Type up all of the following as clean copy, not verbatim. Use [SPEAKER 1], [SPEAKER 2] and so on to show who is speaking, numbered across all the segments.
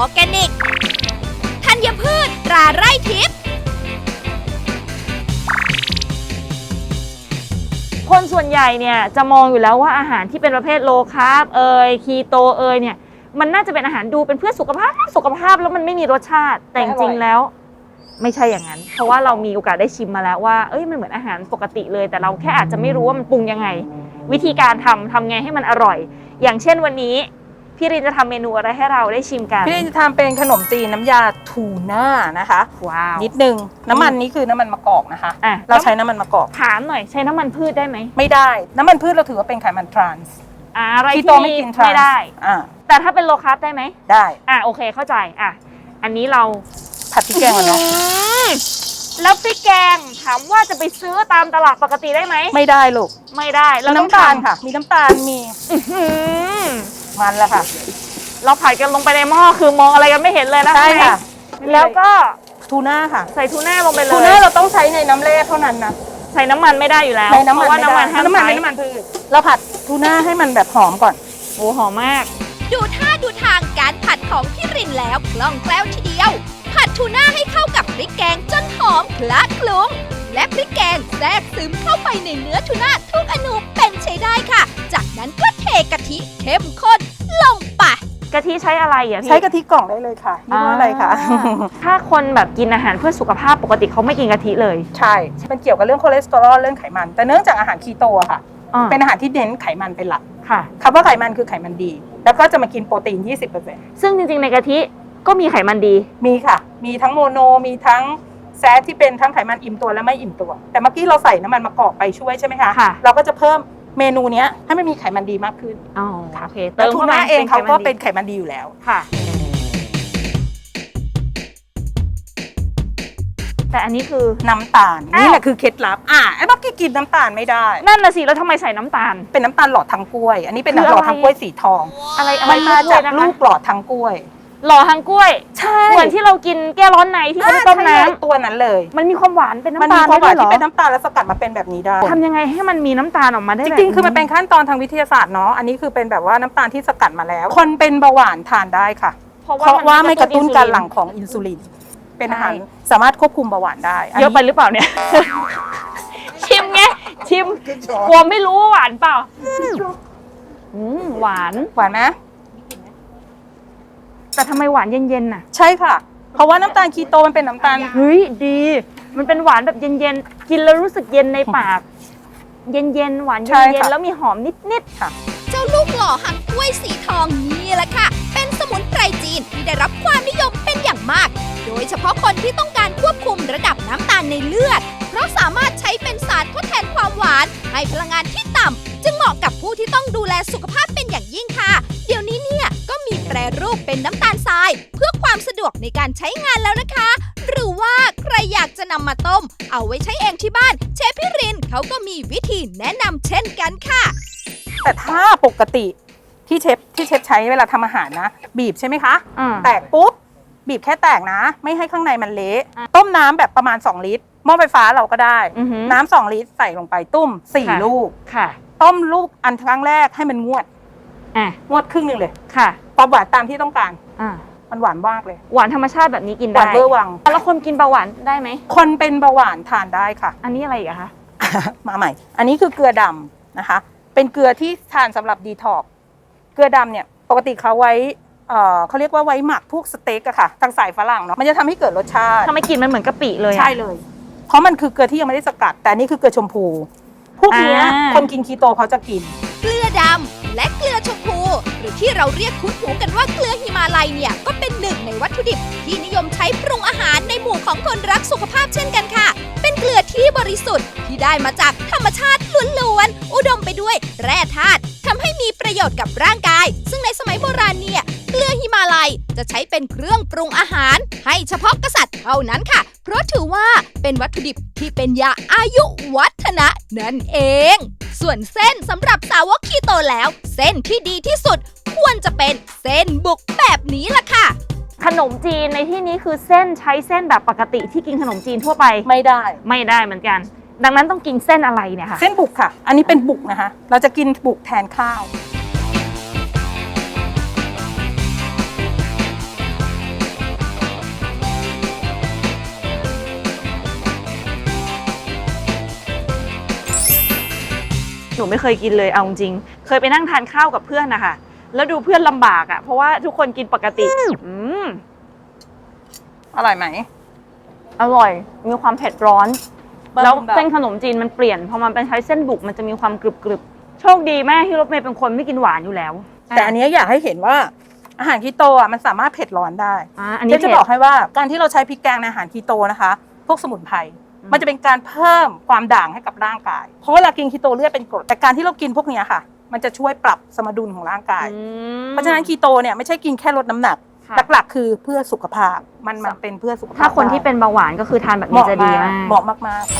[SPEAKER 1] อร์แกนิกธัญพืชตราไร่ทิพย์
[SPEAKER 2] คนส่วนใหญ่เนี่ยจะมองอยู่แล้วว่าอาหารที่เป็นประเภทโลคาร์บคีโตเนี่ยมันน่าจะเป็นอาหารดูเป็นเพื่อสุขภาพแล้วมันไม่มีรสชาติแต่จริงๆแล้วไม่ใช่อย่างนั้นเพราะว่าเรามีโอกาสได้ชิมมาแล้วว่ามันเหมือนอาหารปกติเลยแต่เราแค่อาจจะไม่รู้ว่ามันปรุงยังไงวิธีการทำไงให้มันอร่อยอย่างเช่นวันนี้พี่รินจะทำเมนูอะไรให้เราได้ชิมกัน
[SPEAKER 3] พี่รินจะทำเป็นขนมจีนน้ำยาทูน่านะคะ
[SPEAKER 2] ว้าว
[SPEAKER 3] นิดนึงน้ำมันนี้คือน้ำมันมะกอกนะคะเราใช้น้ำมันมะกอก
[SPEAKER 2] ถามหน่อยใช้น้ำมันพืชได้ไหม
[SPEAKER 3] ไม่ได้น้ำมันพืชเราถือว่าเป็นไขมันทรานส์
[SPEAKER 2] อะไรที่
[SPEAKER 3] ไม่กินทรานส์
[SPEAKER 2] ไม่ได้แต่ถ้าเป็นโลคาร์บได้ไหม
[SPEAKER 3] ได้
[SPEAKER 2] โอเคเข้าใจอันนี้เรา
[SPEAKER 3] ผัดพริกแกงก่อนเนาะ
[SPEAKER 2] แล้วพริกแกงถามว่าจะไปซื้อตามตลาดปกติได้ไหม
[SPEAKER 3] ไม่ได้ลูก
[SPEAKER 2] ไม่ได้แล้ว
[SPEAKER 3] น้ำตาลค่ะมีน้ำตาลมีมันแล้วค่ะ
[SPEAKER 2] เราผัดกันลงไปในหม้อคือมองอะไรกันไม่เห็นเลยนะ
[SPEAKER 3] ใช่ค่ะ
[SPEAKER 2] แล้วก็
[SPEAKER 3] ทูน่าค่ะ
[SPEAKER 2] ใส่ทูน่าลงไปเลย
[SPEAKER 3] ทูน่าเราต้องใช้ในน้ำแร่เท่านั้นนะ
[SPEAKER 2] ใส่น้ำมันไม่ได้อยู่แล้ว
[SPEAKER 3] เพราะ
[SPEAKER 2] ว่าน้ำมันห้ามใช้
[SPEAKER 3] น้ำมันพืชเราผัดทูน่าให้มันแบบหอมก่อน
[SPEAKER 2] โอ้หอมมาก
[SPEAKER 1] ดูท่าดูทางการผัดของพี่รินแล้วคล่องแคล่วทีเดียวผัดทูน่าให้เข้ากับพริกแกงจนหอมคละคลุ้งและพริกแกงแทรกซึมเข้าไปในเนื้อทูน่าทุกอนูเป็นใช้ได้ค่ะจากนั้นก็เทกะทิเข้มข้นลงไป
[SPEAKER 2] กะทิใช้อะไรพี่
[SPEAKER 3] ใช้กะทิกล่องได้เลยค่ะยี่ห้ออะไรคะ
[SPEAKER 2] ถ้าคนแบบกินอาหารเพื่อสุขภาพปกติเขาไม่กินกะทิเลย
[SPEAKER 3] ใช่มันเกี่ยวกับเรื่องคอเลสเตอรอลเรื่องไขมันแต่เนื่องจากอาหารคีโตค่ะเป็นอาหารที่เน้นไขมันเป็นหลัก
[SPEAKER 2] ค่ะ
[SPEAKER 3] คำว่าไขมันคือไขมันดีแล้วก็จะมากินโปรตีน 20%
[SPEAKER 2] ซึ่งจริงๆในกะทิก็มีไขมันดี
[SPEAKER 3] มีค่ะมีทั้งโมโนมีทั้งแซทที่เป็นทั้งไขมันอิ่มตัวและไม่อิ่มตัวแต่เมื่อกี้เราใส่น้ำมันมะกอกไปช่วยใช่ไหมคะเราก็จะเพิ่มเมนูนี้ให้มันมีไขมันดีมากขึ้น
[SPEAKER 2] โอเค
[SPEAKER 3] เติมทูน่าเองเขาก็เป็นไขมันดีอยู่แล้ว
[SPEAKER 2] ค่ะแต่อันนี้คือ
[SPEAKER 3] น้ำตาลนี่แหละคือเคล็ดลับไอ้เมื่อกี้กินน้ำตาลไม่ได้
[SPEAKER 2] นั่นน่ะสิแล้วทำไมใส่น้ำตาล
[SPEAKER 3] เป็นน้ำตาลหลอดทางกล้วยอันนี้เป็นหลอดทางกล้วยสีทอง
[SPEAKER 2] อะไร
[SPEAKER 3] มันมาจากลูกหลอดทางกล้วย
[SPEAKER 2] หล่อทางกล้วย
[SPEAKER 3] ใช่
[SPEAKER 2] เหมือนที่เรากินแก้ร้อนในที่เขาต้มน้
[SPEAKER 3] ำตัวนั้นเลย
[SPEAKER 2] มันมีความหวานเป็นน้ำตาล
[SPEAKER 3] ได้ด้วยเหรอที่เป็นน้ำตาลแล้วสกัดมาเป็นแบบนี้ได้
[SPEAKER 2] ทำยังไงให้มันมีน้ำตาลออกมาได้
[SPEAKER 3] จริงๆคือมันเป็นขั้นตอนทางวิทยาศาสตร์เนาะอันนี้คือเป็นแบบว่าน้ำตาลที่สกัดมาแล้วคนเป็นเบาหวานทานได้ค่ะเพราะว่าไม่กระตุ้นการหลั่งของอินซูลินเป็นอาหารสามารถควบคุมเบาหวานได้
[SPEAKER 2] เยอะไปหรือเปล่าเนี่ยชิมไงชิมกลัวไม่รู้ว่าหวานเปล่าหวาน
[SPEAKER 3] ไหม
[SPEAKER 2] แต่ทำไมหวานเย็นๆน่ะ
[SPEAKER 3] ใช่ค่ะเพราะว่าน้ำตาลคีโตมันเป็นน้ำตาล
[SPEAKER 2] เฮ้ยดีมันเป็นหวานแบบเย็นๆกินแล้วรู้สึกเย็นในปากเย็นๆหวานเย็นๆแล้วมีหอมนิดๆค่ะ
[SPEAKER 1] เจ้าลูกหล่อหางกล้วยสีทองนี่แหละค่ะเป็นสมุนไพรจีนที่ได้รับความนิยมเป็นอย่างมากโดยเฉพาะคนที่ต้องการควบคุมระดับน้ำตาลในเลือดเพราะสามารถใช้เป็นสารทดแทนความหวานให้พลังงานที่ต่ำจึงเหมาะกับผู้ที่ต้องดูแลสุขภาพเป็นอย่างยิ่งค่ะเดี๋ยวนี้เนี่ยก็มีแปรรูปเป็นน้ำตาลทรายเพื่อความสะดวกในการใช้งานแล้วนะคะหรือว่าใครอยากจะนำมาต้มเอาไว้ใช้เองที่บ้านเชฟพี่รินเขาก็มีวิธีแนะนำเช่นกันค่ะ
[SPEAKER 3] แต่ถ้าปกติที่เชฟใช้เวลาทำอาหารนะบีบใช่ไหมคะแตกปุ๊บบีบแค่แตกนะไม่ให้ข้างในมันเละต้มน้ำแบบประมาณ2ลิตรหม้อไฟฟ้าเราก็ได้น้ำ2ลิตรใส่ลงไปตุ้ม4ลูกต้มลูกอันครั้งแรกให้มันงวดครึ่งนึงเลย
[SPEAKER 2] ค่ะ
[SPEAKER 3] ความหวานตามที่ต้องการมันหวานมากเลย
[SPEAKER 2] หวานธรรมชาติแบบนี้กินได้
[SPEAKER 3] หวานเบอร์วัง
[SPEAKER 2] แล้วคนกินเบาหวานได้ไหม
[SPEAKER 3] คนเป็นเบาหวานทานได้ค่ะ
[SPEAKER 2] อันนี้อะไรอีกคะ
[SPEAKER 3] มาใหม่อันนี้คือเกลือดำนะคะเป็นเกลือที่ทานสำหรับดีท็อกเกลือดำเนี่ยปกติเขาไว้เขาเรียกว่าไว้หมักพวกสเต็กอะค่ะทางสายฝรั่งเนาะมันจะทำให้เกิดรสชาติ
[SPEAKER 2] ทำไมกลิ่นมันเหมือนกะปิเลย
[SPEAKER 3] ใช่เลยเพราะมันคือเกลือที่ยังไม่ได้สกัดแต่นี่คือเกลือชมพูพวกนี้คนกินคีโตเขาจะกิน
[SPEAKER 1] เกลือดำและเกลือชมพูหรือที่เราเรียกคุ้นหูกันว่าเกลือหิมาลัยเนี่ยก็เป็นหนึ่งในวัตถุดิบที่นิยมใช้ปรุงอาหารในหมู่ของคนรักสุขภาพเช่นกันค่ะเป็นเกลือที่บริสุทธิ์ที่ได้มาจากธรรมชาติล้วนๆอุดมไปด้วยแร่ธาตุทำให้มีประโยชน์กับร่างกายซึ่งในสมัยโบราณเนี่ยเกลือหิมาลัยจะใช้เป็นเครื่องปรุงอาหารให้เฉพาะกษัตริย์เท่านั้นค่ะเพราะถือว่าเป็นวัตถุดิบที่เป็นยาอายุวัฒนะนั่นเองส่วนเส้นสำหรับสาวกคีโตแล้วเส้นที่ดีที่สุดควรจะเป็นเส้นบุกแบบนี้ล่ะค่ะ
[SPEAKER 2] ขนมจีนในที่นี้คือเส้นใช้เส้นแบบปกติที่กินขนมจีนทั่วไป
[SPEAKER 3] ไม่ได้
[SPEAKER 2] เหมือนกันดังนั้นต้องกินเส้นอะไรเนี่ยค่ะ
[SPEAKER 3] เส้นบุกค่ะอันนี้เป็นบุกนะคะเราจะกินบุกแทนข้าว
[SPEAKER 2] นูไม่เคยกินเลยเอาจริงเคยไปนั่งทานข้าวกับเพื่อนนะคะแล้วดูเพื่อนลำบากอ่ะเพราะว่าทุกคนกินปกติ
[SPEAKER 3] อร่อยไหม
[SPEAKER 2] อร่อยมีความเผ็ดร้อนแล้วเส้นขนมจีนมันเปลี่ยนพอมันเป็นใช้เส้นบุกมันจะมีความกรึบๆโชคดีแม่ที่รถเมย์เป็นคนไม่กินหวานอยู่แล้ว
[SPEAKER 3] แต่อันนี้อยากให้เห็นว่าอาหารคีโตอ่ะมันสามารถเผ็ดร้อนได้
[SPEAKER 2] อันนี้
[SPEAKER 3] จะบอกให้ว่าการที่เราใช้พริกแกงในอาหารคีโตนะคะพวกสมุนไพรมันจะเป็นการเพิ่มความด่างให้กับร่างกายเพราะเวลากินคีโตเลือดเป็นกรดแต่การที่เรากินพวกนี้ค่ะมันจะช่วยปรับสมดุลของร่างกายเพราะฉะนั้นคีโตเนี่ยไม่ใช่กินแค่ลดน้ำหนักหลักๆคือเพื่อสุขภาพมันเป็นเพื่อสุขภาพ
[SPEAKER 2] ถ้าคนที่เป็นเบาหวานก็คือทานแบบนี้จะดีมาก
[SPEAKER 3] เหมาะมาก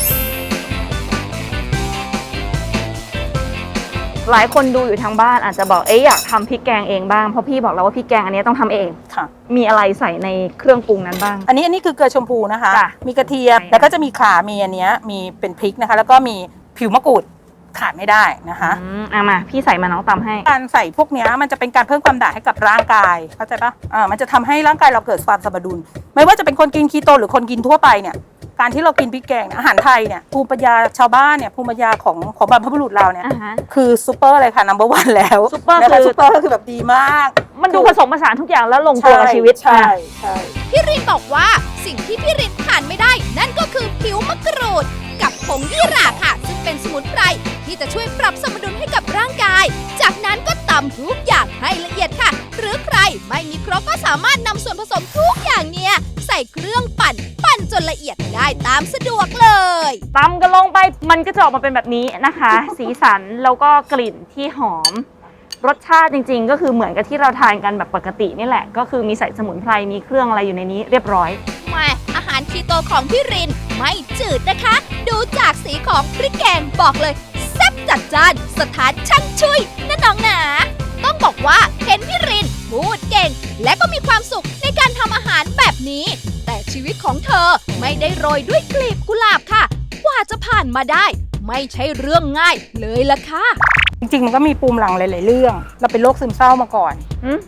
[SPEAKER 2] หลายคนดูอยู่ทางบ้านอาจจะบอกอยากทำพริกแกงเองบ้างเพราะพี่บอกแล้วว่าพริกแกงอันนี้ต้องทำเอง
[SPEAKER 3] ค่ะ
[SPEAKER 2] มีอะไรใส่ในเครื่องปรุงนั้นบ้าง
[SPEAKER 3] อันนี้คือเกลือชมพูนะคะมีกระเทียมแล้วก็จะมีข่ามีอันนี้มีเป็นพริกนะคะแล้วก็มีผิวมะกรูดขาดไม่ได้นะคะ
[SPEAKER 2] มาพี่ใส่มาน้องตำให้
[SPEAKER 3] การใส่พวกนี้มันจะเป็นการเพิ่มความด่างให้กับร่างกายเข้าใจปะมันจะทำให้ร่างกายเราเกิดความสมดุลไม่ว่าจะเป็นคนกินคีโตหรือคนกินทั่วไปเนี่ยการที่เรากินพริกแกงอาหารไทยเนี่ยภูมิปัญญาชาวบ้านเนี่ยภูมิปัญญาของบรรพบุรุษเราเนี่ยคือซูเปอร์เลยค่ะนัมเบอร์วันแล้ว
[SPEAKER 2] ซูเปอร์
[SPEAKER 3] คือแบบดีมาก
[SPEAKER 2] มันดูผสมผสานทุกอย่างแล้วลงตัวกับชีวิต
[SPEAKER 3] ใช่
[SPEAKER 1] พี่รินบอกว่าสิ่งที่พี่รินขาดไม่ได้นั่นก็คือผิวมะกรูดกับผงยี่หร่าค่ะซึ่งเป็นสมุนไพรที่จะช่วยปรับสมดุลให้กับร่างกายจากนั้นก็ตำทุกอย่างให้ละเอียดค่ะหรือใครไม่มีครกก็สามารถนำส่วนผสมทุกอย่างเนี่ยใส่เครื่องปั่นจนละเอียดได้ตามสะดวกเลย
[SPEAKER 2] ตำกันลงไปมันก็จะออกมาเป็นแบบนี้นะคะ สีสันแล้วก็กลิ่นที่หอมรสชาติจริงๆก็คือเหมือนกับที่เราทานกันแบบปกตินี่แหละก็คือมีใส่สมุนไพรมีเครื่องอะไรอยู่ในนี้เรียบร้อย
[SPEAKER 1] แม่อาหารคีโตของพี่รินไม่จืดนะคะดูจากสีของพริกแกงบอกเลยแซ่บจัดจ้านสถานช่างช่วยนะน้องหนาต้องบอกว่าเห็นพี่รินพูดเก่งและก็มีความสุขในการทำอาหารแบบนี้แต่ชีวิตของเธอไม่ได้โรยด้วยกลีบกุหลาบค่ะกว่าจะผ่านมาได้ไม่ใช่เรื่องง่ายเลยล่ะค่ะ
[SPEAKER 3] จริงๆมันก็มีปูมหลังหลายๆเรื่องเราเป็นโรคซึมเศร้ามาก่อน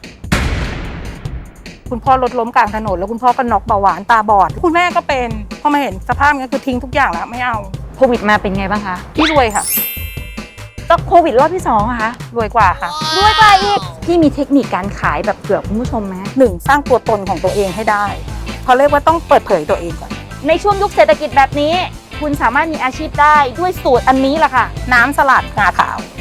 [SPEAKER 3] คุณพ่อรถล้มกลางถนนแล้วคุณพ่อก็น็อกเบาหวานตาบอดคุณแม่ก็เป็นพอมาเห็นสภาพนี้คือทิ้งทุกอย่างแล้วไม่เอา
[SPEAKER 2] โควิดมาเป็นไงบ้างคะ
[SPEAKER 3] พี่รวยค่ะ
[SPEAKER 2] ก็โควิดรอบที่2อะคะ
[SPEAKER 3] รวยกว่าค่ะ
[SPEAKER 2] รวยกว่าอีกพี่มีเทคนิคการขายแบบเผื่อคุณผู้ชมไหม
[SPEAKER 3] 1สร้างตัวตนของตัวเองให้ได้เขาเรียกว่าต้องเปิดเผยตัวเองก่อน
[SPEAKER 2] ในช่วงยุคเศรษฐกิจแบบนี้คุณสามารถมีอาชีพได้ด้วยสูตรอันนี้แหละค่ะ
[SPEAKER 3] น้ำสลัดงาขาว